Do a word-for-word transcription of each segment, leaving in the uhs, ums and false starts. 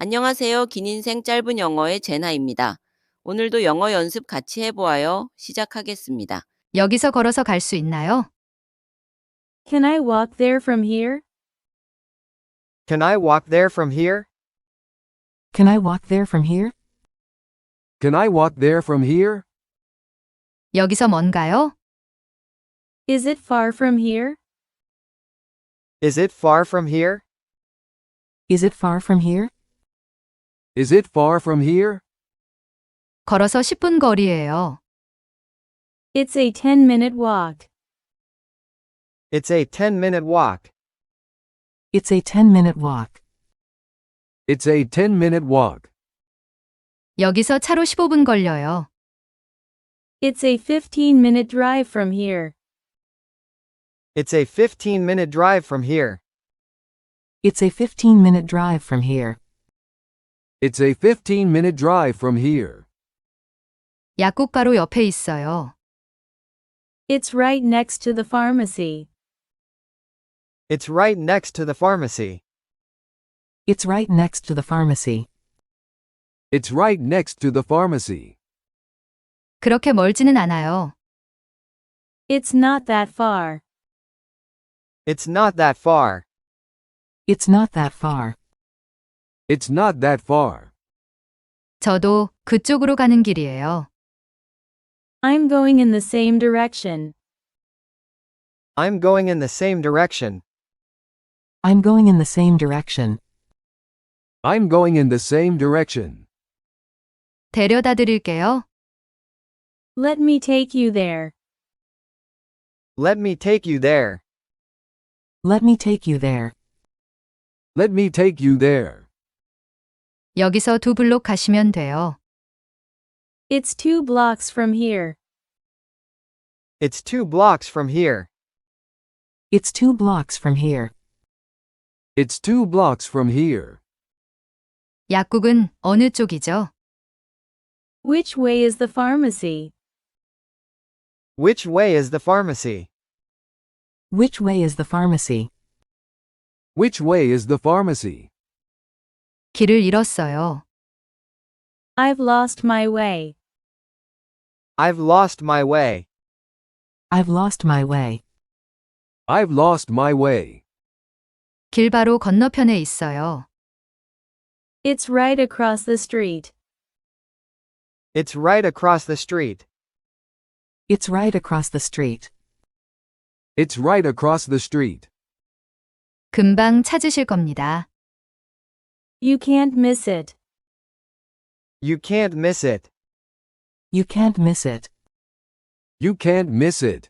안녕하세요. 긴 인생 짧은 영어의 제나입니다. 오늘도 영어 연습 같이 해보아요. 시작하겠습니다. 여기서 걸어서 갈 수 있나요? Can I walk there from here? Can I walk there from here? Can I walk there from here? Can I walk there from here? 여기서 먼가요? Is it far from here? Is it far from here? Is it far from here? Is it far from here? 걸어서 십 분 거리예요. It's a ten minute walk. It's a ten minute walk. It's a ten minute walk. It's a ten minute walk. 여기서 차로 십오 분 걸려요. It's a fifteen minute drive from here. It's a fifteen minute drive from here. It's a fifteen minute drive from here. It's a fifteen minute drive from here. 약국가로 옆에 있어요. It's right next to the pharmacy. It's right next to the pharmacy. It's right next to the pharmacy. It's right next to the pharmacy. 그렇게 멀지는 않아요. It's not that far. It's not that far. It's not that far. It's not that far. 저도 그쪽으로 가는 길이에요. I'm going in the same direction. I'm going in the same direction. I'm going in the same direction. I'm going in the same direction. 데려다 드릴게요. Let me take you there. Let me take you there. Let me take you there. Let me take you there. 여기서 두 블록 가시면 돼요. It's two blocks from here. It's two blocks from here. It's two blocks from here. It's two blocks from here. 약국은 어느 쪽이죠? Which way is the pharmacy? Which way is the pharmacy? Which way is the pharmacy? Which way is the pharmacy? 길을 잃었어요. I've lost my way. I've lost my way. I've lost my way. I've lost my way. 길 바로 건너편에 있어요. It's right across the street. It's right across the street. It's right across the street. It's right across the street. 금방 찾으실 겁니다. You can't miss it. You can't miss it. You can't miss it. You can't miss it.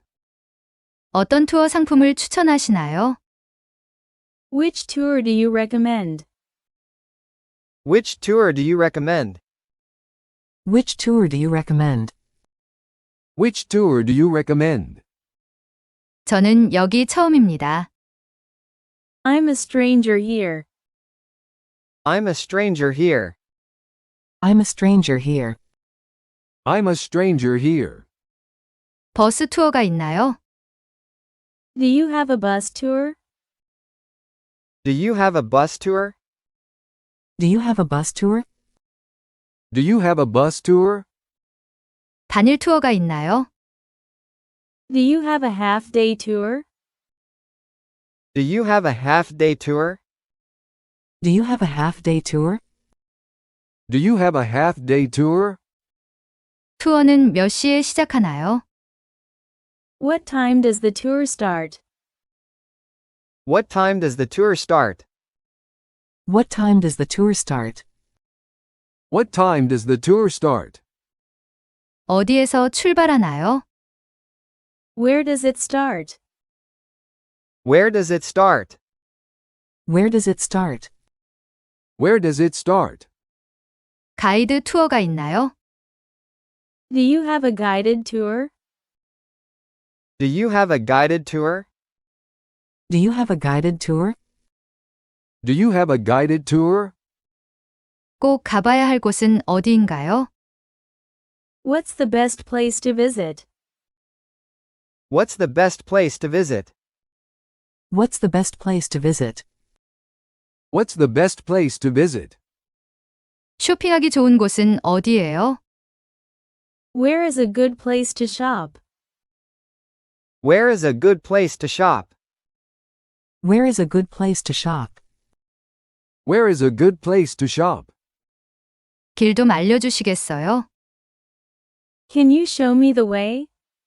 어떤 투어 상품을 추천하시나요? Which tour do you recommend? Which tour do you recommend? Which tour do you recommend? Which tour do you recommend? 저는 여기 처음입니다. I'm a stranger here. I'm a stranger here. I'm a stranger here. I'm a stranger here. 버스 투어가 있나요? Do you have a bus tour? Do you have a bus tour? Do you have a bus tour? Do you have a bus tour? 단일 투어가 있나요? Do you have a half day tour? Do you have a half day tour? Do you have a half day tour? Do you have a half day tour? 투어는 몇 시에 시작하나요? What time does the tour start? What time does the tour start? What time does the tour start? What time does the tour start? 어디에서 출발하나요? Where does it start? Where does it start? Where does it start? Where does it start? 가이드 투어가 있나요? Do you have a guided tour? Do you have a guided tour? Do you have a guided tour? Do you have a guided tour? 꼭 가봐야 할 곳은 어디인가요? What's the best place to visit? What's the best place to visit? What's the best place to visit? What's the best place to visit? 쇼핑하기 좋은 곳은 어디예요? Where is a good place to shop? Where is a good place to shop? Where is a good place to shop? Where is a good place to shop? 길 좀 알려주시겠어요? Can you show me the way?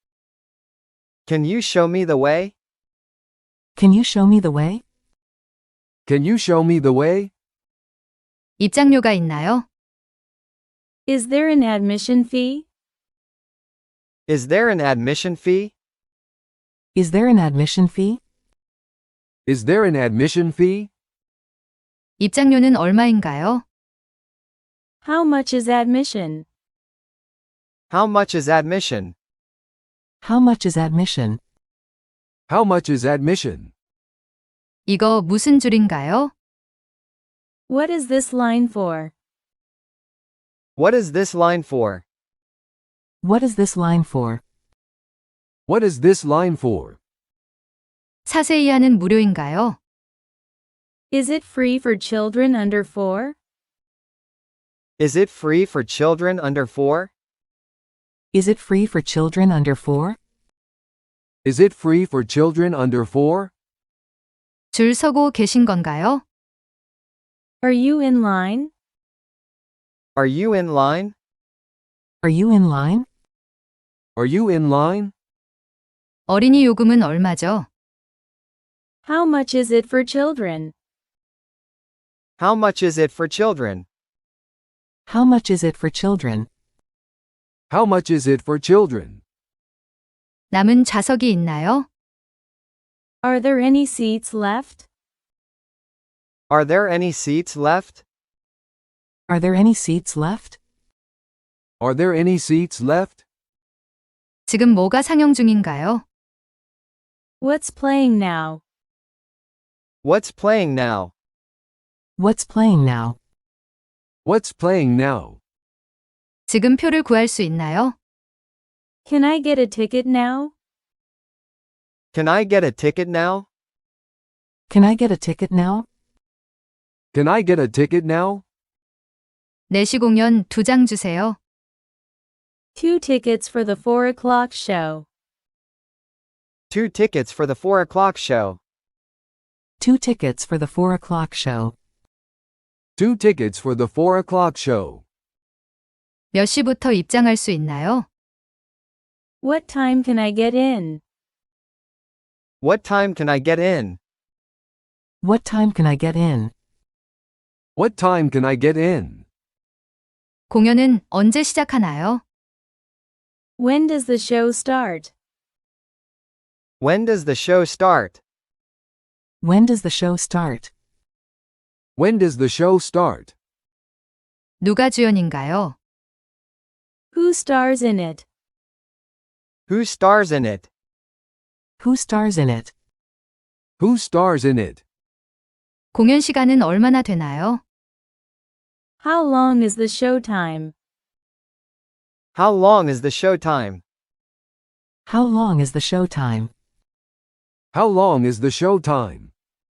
Can you show me the way? Can you show me the way? Can you show me the way? 입장료가 있나요? Is there an admission fee? Is there an admission fee? Is there an admission fee? Is there an admission fee? 입장료는 얼마인가요? How much is admission? How much is admission? How much is admission? How much is admission? 이거 무슨 줄인가요? What is this line for? What is this line for? What is this line for? What is this line for? 사세이 하는 무료인가요? Is it free for children under four? Is it free for children under four? Is it free for children under four? Is it free for children under four? 줄 서고 계신 건가요? Are you in line? Are you in line? Are you in line? Are you in line? 어린이 요금은 얼마죠? How much is it for children? How much is it for children? How much is it for children? How much is it for children? 남은 좌석이 있나요? Are there any seats left? Are there any seats left? Are there any seats left? Are there any seats left? 지금 뭐가 상영 중인가요? What's playing now? What's playing now? What's playing now? What's playing now? 지금 표를 구할 수 있나요? Can I get a ticket now? Can I get a ticket now? Can I get a ticket now? Can I get a ticket now? 내시 공연 두 장 주세요. Two tickets for the four o'clock show. Two tickets for the four o'clock show. Two tickets for the four o'clock show. Two tickets for the four o'clock show. 몇 시부터 입장할 수 있나요? What time can I get in? What time can I get in? What time can I get in? What time can I get in? 공연은 언제 시작하나요? When does the show start? When does the show start? When does the show start? When does the show start? 누가 주연인가요? Who stars in it? Who stars in it? Who stars in it? Who stars in it? 공연 시간은 얼마나 되나요? How long is the show time? How long is the show time? How long is the show time? How long is the show time?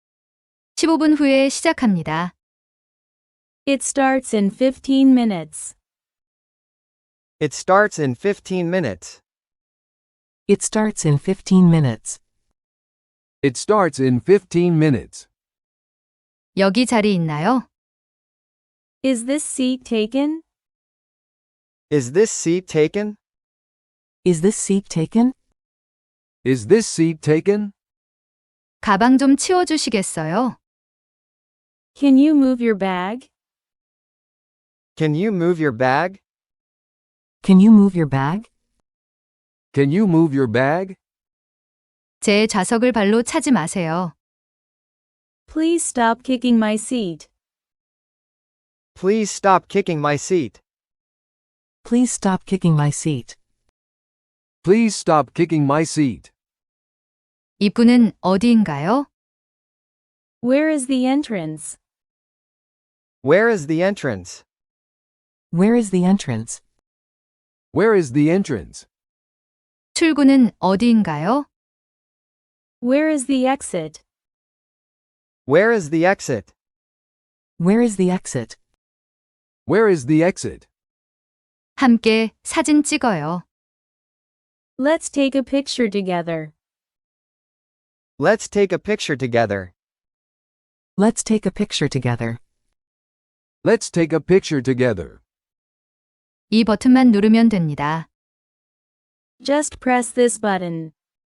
십오 분 후에 시작합니다. It starts in fifteen minutes. It starts in fifteen minutes. It starts in fifteen minutes. It starts in fifteen minutes. 여기 자리 있나요? Is this seat taken? Is this seat taken? Is this seat taken? Is this seat taken? 가방 좀 치워주시겠어요? Can you move your bag? Can you move your bag? Can you move your bag? Can you move your bag? 제 좌석을 발로 차지 마세요. Please stop kicking my seat. Please stop kicking my seat. Please stop kicking my seat. Please stop kicking my seat. 입구는 어디인가요? Where is the entrance? Where is the entrance? Where is the entrance? Where is the entrance? 출구는 어디인가요? Where is the exit? Where is the exit? Where is the exit? Where is the exit? 함께 사진 찍어요. Let's take a picture together. Let's take a picture together. Let's take a picture together. Let's take a picture together. 이 버튼만 누르면 됩니다. Just press this button.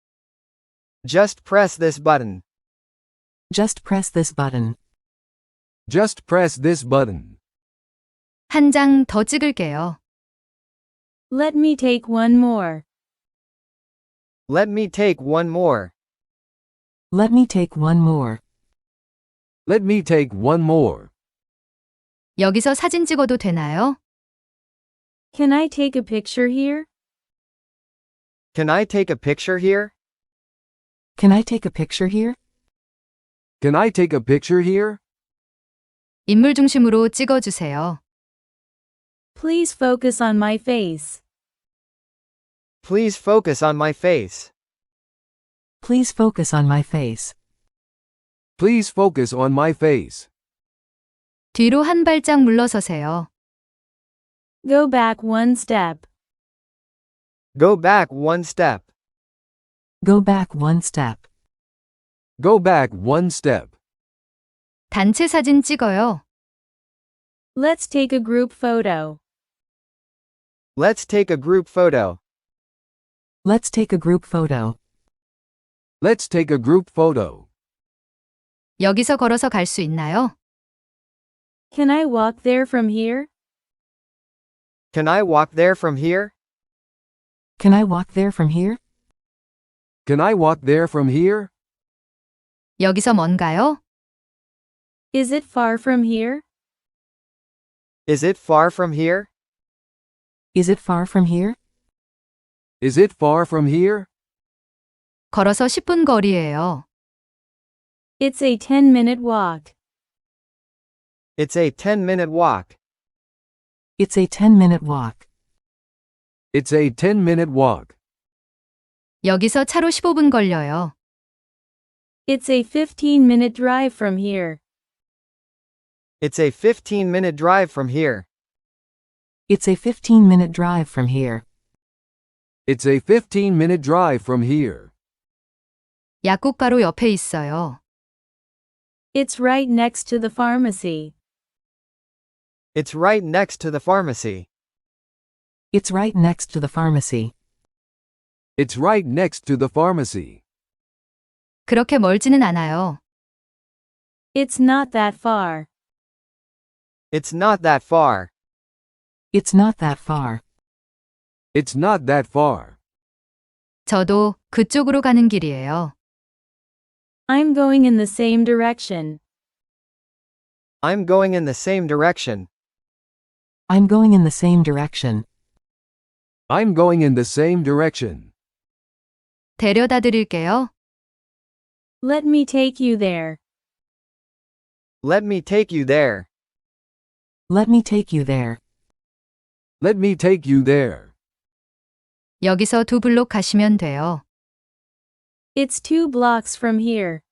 Just press this button. Just press this button. Just press this button. 한 장 더 찍을게요. Let me take one more. Let me take one more. Let me take one more. Let me take one more. 여기서 사진 찍어도 되나요? Can I take a picture here? Can I take a picture here? Can I take a picture here? Can I take a picture here? 인물 중심으로 찍어주세요. Please focus on my face. Please focus on my face. Please focus on my face. Please focus on my face. 뒤로 한 발짝 물러서세요. Go back one step. Go back one step. Go back one step. Go back one step. 단체 사진 찍어요. Let's take a group photo. Let's take a group photo. Let's take a group photo. Let's take a group photo. 여기서 걸어서 갈 수 있나요? Can I walk there from here? Can I walk there from here? Can I walk there from here? Can I walk there from here? 여기서 먼가요? Is it far from here? Is it far from here? Is it far from here? Is it far from here? 걸어서 십 분 거리예요. It's a ten minute walk. It's a ten minute walk. It's a ten minute walk. It's a ten minute walk. 여기서 차로 십오 분 걸려요. It's a fifteen minute drive from here. It's a fifteen minute drive from here. It's a fifteen minute drive from here. It's a fifteen minute drive from here. 약국 바로 옆에 있어요. It's right next to the pharmacy. It's right next to the pharmacy. It's right next to the pharmacy. It's right next to the pharmacy. 그렇게 멀지는 않아요. It's not that far. It's not that far. It's not that far. It's not that far. 저도 그쪽으로 가는 길이에요. I'm going in the same direction. I'm going in the same direction. I'm going in the same direction. I'm going in the same direction. 데려다 드릴게요. Let me take you there. Let me take you there. Let me take you there. Let me take you there. 여기서 두 블록 가시면 돼요. It's two blocks from here.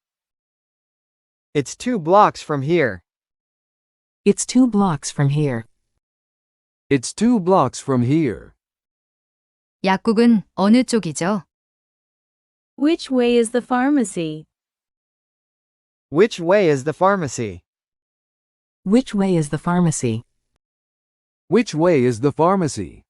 It's two blocks from here. It's two blocks from here. It's two blocks from here. 약국은 어느 쪽이죠? Which way is the pharmacy? Which way is the pharmacy? Which way is the pharmacy? Which way is the pharmacy?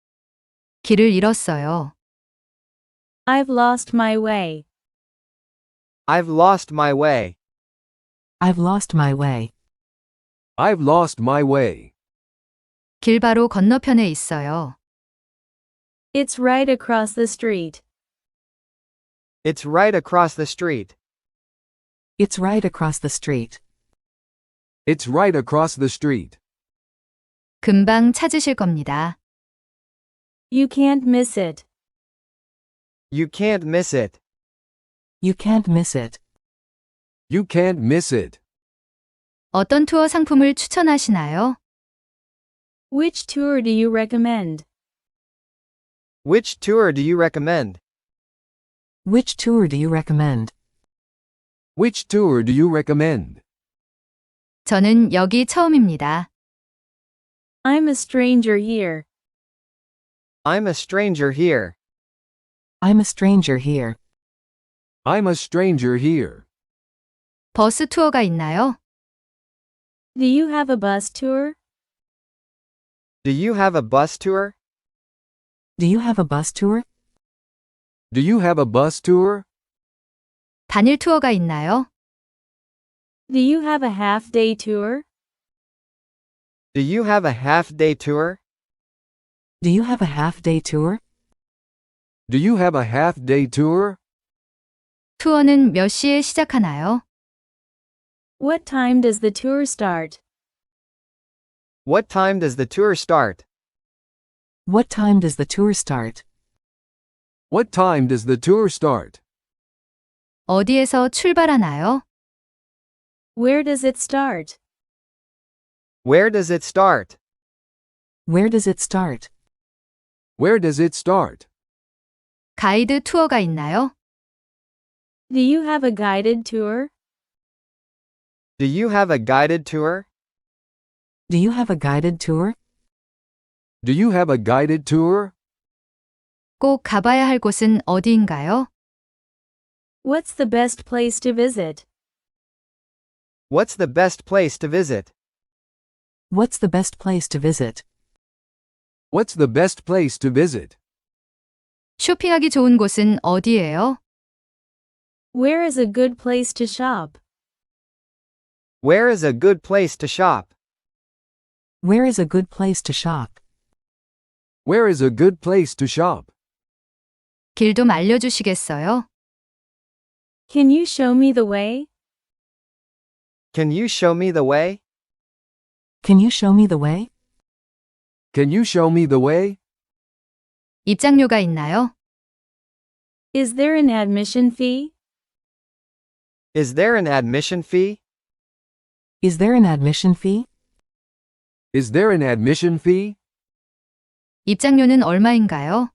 길을 잃었어요. I've lost my way. I've lost my way. I've lost my way. I've lost my way. 길 바로 건너편에 있어요. It's right across the street. It's right across the street. It's right across the street. It's right across the street. 금방 찾으실 겁니다. You can't miss it. You can't miss it. You can't miss it. You can't miss it. 어떤 투어 상품을 추천하시나요? Which tour do you recommend? Which tour do you recommend? Which tour do you recommend? Which tour do you recommend? 저는 여기 처음입니다. I'm a stranger here. I'm a stranger here. I'm a stranger here. I'm a stranger here. 버스 투어가 있나요? Do you have a bus tour? Do you have a bus tour? Do you have a bus tour? Do you have a bus tour? 단일 투어가 있나요? Do you have a half-day tour? Do you have a half-day tour? Do you have a half-day tour? Do you have a half-day tour? 투어는 몇 시에 시작하나요? What time does the tour start? What time does the tour start? What time does the tour start? What time does the tour start? 어디에서 출발하나요? Where does it start? Where does it start? Where does it start? Where does it start? 가이드 투어가 있나요? Do you have a guided tour? Do you have a guided tour? Do you have a guided tour? Do you have a guided tour? 꼭 가봐야 할 곳은 어디인가요? What's the best place to visit? What's the best place to visit? What's the best place to visit? What's the best place to visit? 쇼핑하기 좋은 곳은 어디예요? Where is a good place to shop? Where is a good place to shop? Where is a good place to shop? Where is a good place to shop? 길 좀 알려주시겠어요? Can you show me the way? Can you show me the way? Can you show me the way? Can you show me the way? 입장료가 있나요? Is there an admission fee? Is there an admission fee? Is there an admission fee? Is there an admission fee? 입장료는 얼마인가요?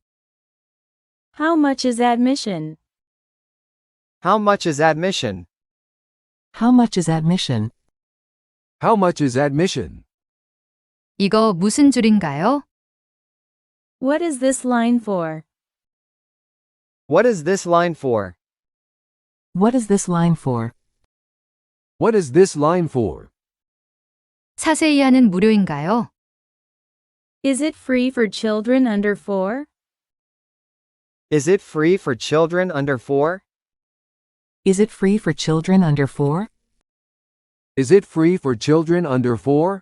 How much is admission? How much is admission? How much is admission? How much is admission? 이거 무슨 줄인가요? What is this line for? What is this line for? What is this line for? What is this line for? 사세이 하는 무료인가요? Is it free for children under four? Is it free for children under four? Is it free for children under four? Is it free for children under four?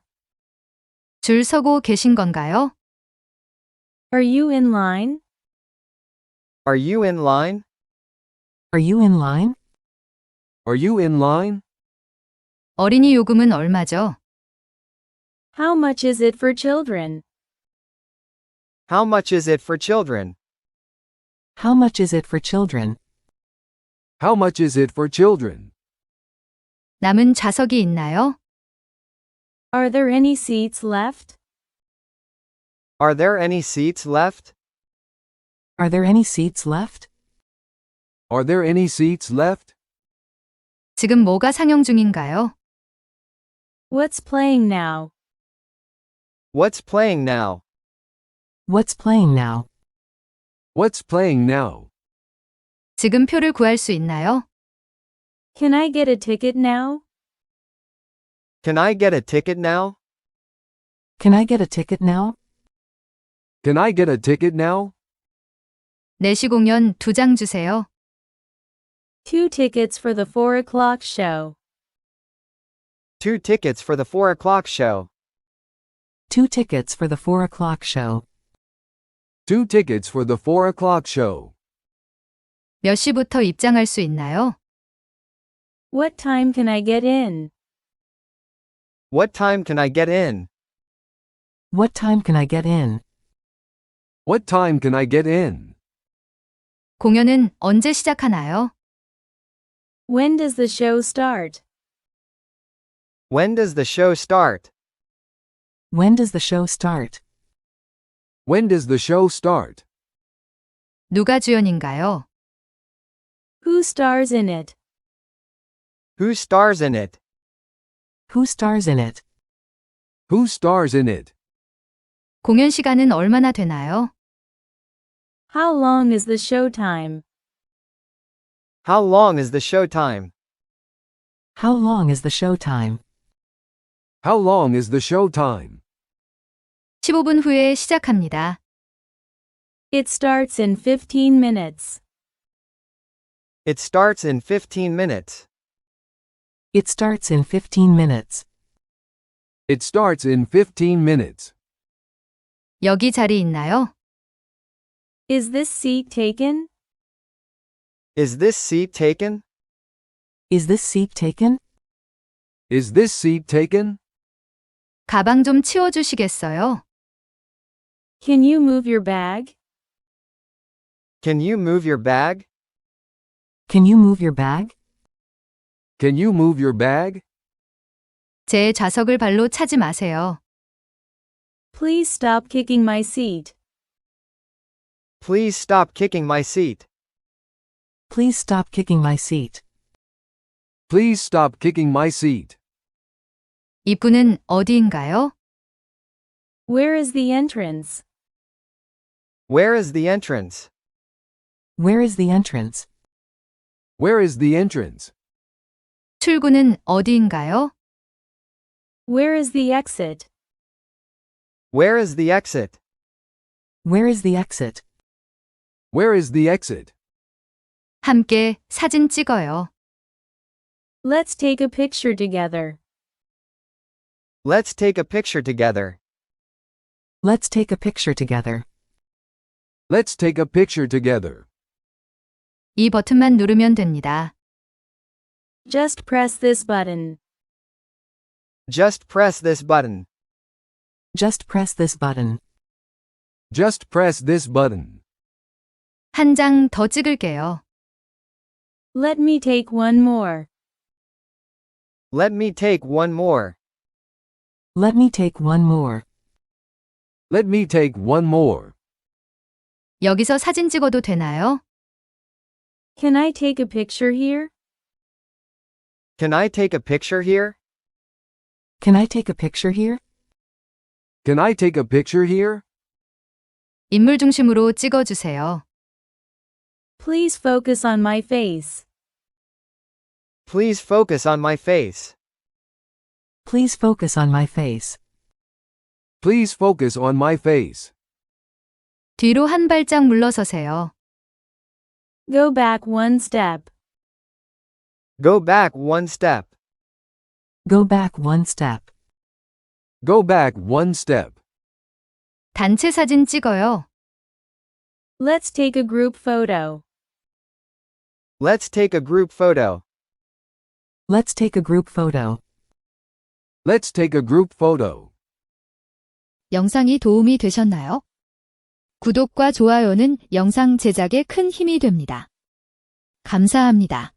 줄 서고 계신 건가요? Are you in line? Are you in line? Are you in line? Are you in line? 어린이 요금은 얼마죠? How much is it for children? How much is it for children? How much is it for children? How much is it for children? 남은 좌석이 있나요? Are there any seats left? Are there any seats left? Are there any seats left? Are there any seats left? 지금 뭐가 상영 중인가요? What's playing now? What's playing now? What's playing now? What's playing now? 지금 표를 구할 수 있나요? Can I get a ticket now? Can I get a ticket now? Can I get a ticket now? Can I get a ticket now? 네 시 공연 두 장 주세요. Two tickets for the four o'clock show. Two tickets for the four o'clock show. Two tickets for the four o'clock show. Two tickets for the four o'clock show. 몇 시부터 입장할 수 있나요? What time can I get in? What time can I get in? What time can I get in? What time can I get in? 공연은 언제 시작하나요? When does the show start? When does the show start? When does the show start? When does the show start? 누가 주연인가요? Who stars in it? Who stars in it? Who stars in it? Who stars in it? 공연 시간은 얼마나 되나요? How long is the show time? How long is the show time? How long is the show time? How long is the show time? 십오 분 후에 시작합니다. It starts in fifteen minutes. It starts in fifteen minutes. It starts in fifteen minutes. It starts in fifteen minutes. 여기 자리 있나요? Is this seat taken? Is this seat taken? Is this seat taken? Is this seat taken? 가방 좀 치워주시겠어요? Can you move your bag? Can you move your bag? Can you move your bag? Can you move your bag? 제 좌석을 발로 차지 마세요. Please stop kicking my seat. Please stop kicking my seat. Please stop kicking my seat. Please stop kicking my seat. 입구는 어디인가요? Where is the entrance? Where is the entrance? Where is the entrance? Where is the entrance? 출구는 어디인가요? Where is the exit? Where is the exit? Where is the exit? Where is the exit? 함께 사진 찍어요. Let's take a picture together. Let's take a picture together. Let's take a picture together. Let's take a picture together. 이 버튼만 누르면 됩니다. Just press this button. Just press this button. Just press this button. Just press this button. 한 장 더 찍을게요. Let me take one more. Let me take one more. Let me take one more. Let me take one more. 여기서 사진 찍어도 되나요? Can I take a picture here? Can I take a picture here? Can I take a picture here? Can I take a picture here? 인물 중심으로 찍어주세요. Please focus on my face. Please focus on my face. Please focus on my face. Please focus on my face. 뒤로 한 발짝 물러서세요. Go back one step. Go back one step. Go back one step. Go back one step. 단체 사진 찍어요. Let's take a group photo. Let's take a group photo. Let's take a group photo. Let's take a group photo. 영상이 도움이 되셨나요? 구독과 좋아요는 영상 제작에 큰 힘이 됩니다. 감사합니다.